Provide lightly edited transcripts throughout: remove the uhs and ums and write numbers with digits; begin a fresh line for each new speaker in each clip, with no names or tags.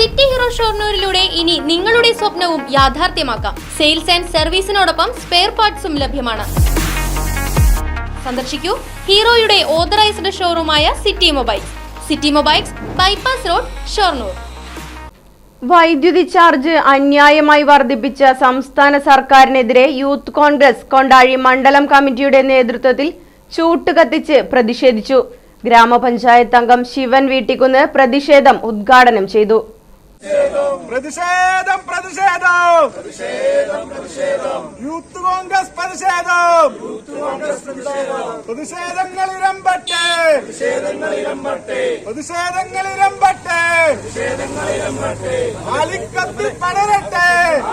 City hero ഷൊർണൂരിലൂടെ ഇനി നിങ്ങളുടെ സ്വപ്നവും യാഥാർത്ഥ്യമാക്കാം. സെയിൽസ് ആൻഡ് സർവീസിനോടൊപ്പം സ്പെയർ പാർട്സും ലഭ്യമാണ്. സന്ദർശിക്കൂ ഹീറോയുടെ ഓതറൈസ്ഡ് ഷോറൂമായ city mobiles. City mobiles, bypass road, Shoranur.
വൈദ്യുതി ചാർജ് അന്യായമായി വർദ്ധിപ്പിച്ച സംസ്ഥാന സർക്കാരിനെതിരെ യൂത്ത് കോൺഗ്രസ് കൊണ്ടാഴി മണ്ഡലം കമ്മിറ്റിയുടെ നേതൃത്വത്തിൽ ചൂട്ട് കത്തിച്ച് പ്രതിഷേധിച്ചു. ഗ്രാമപഞ്ചായത്ത് അംഗം ശിവൻ വീട്ടിക്കുന്ന് പ്രതിഷേധം ഉദ്ഘാടനം ചെയ്തു.
പ്രതിഷേധം പ്രതിഷേധം യൂത്ത് കോൺഗ്രസ് പ്രതിഷേധം പ്രതിഷേധങ്ങൾ ഇരമ്പട്ടെ പ്രതിഷേധങ്ങൾ ഇരമ്പട്ടെ ആളിക്കത്തി പടരട്ടെ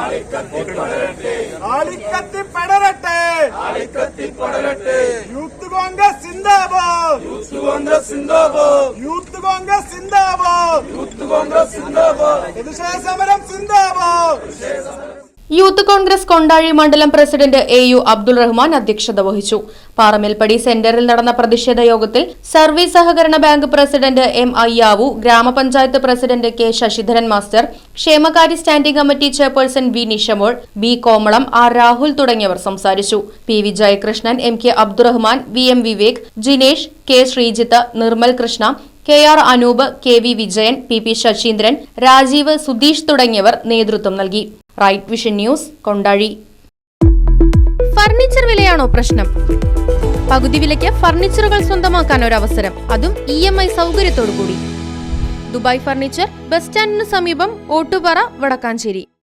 ആളിക്കത്തി പടരട്ടെ യൂത്ത് കോൺഗ്രസ് സിന്ദാബാദ് യൂത്ത് കോൺഗ്രസ് സിന്ദാബാദ് യൂത്ത് കോൺഗ്രസ് സിന്ദാബാദ് യൂത്ത് കോൺഗ്രസ് സിന്ദാബാദ് പ്രതിഷേധ സമരം സിന്ദാബാദ്.
യൂത്ത് കോൺഗ്രസ് കൊണ്ടാഴി മണ്ഡലം പ്രസിഡന്റ് AU അബ്ദുൾ റഹ്മാൻ അധ്യക്ഷത വഹിച്ചു. പാറമേൽപ്പടി സെന്ററിൽ നടന്ന പ്രതിഷേധ യോഗത്തിൽ സർവീസ് സഹകരണ ബാങ്ക് പ്രസിഡന്റ് M അയ്യാവു, ഗ്രാമപഞ്ചായത്ത് പ്രസിഡന്റ് K ശശിധരൻ മാസ്റ്റർ, ക്ഷേമകാര്യ standing committee chairperson B Nishamol, B Komalam, R Rahul തുടങ്ങിയവർ സംസാരിച്ചു. PV Jayakrishnan, MK Abdurahman, VM Vivek, Jinesh, K Sreejith, Nirmal Krishna, KR Anoop, KV Vijayan, PP Saseendran, Rajeev, Sudheesh തുടങ്ങിയവർ നേതൃത്വം നൽകി. Right vision news, Kondazhy. Furniture വിലയാണോ പ്രശ്നം? പകുതി വിലയ്ക്ക് ഫർണിച്ചറുകൾ സ്വന്തമാക്കാൻ ഒരു അവസരം, അതും EMI സൗകര്യത്തോടു കൂടി. ദുബായ് ഫർണിച്ചർ, ബസ് സ്റ്റാൻഡിന് സമീപം, ഓട്ടുപാറ, വടക്കാഞ്ചേരി.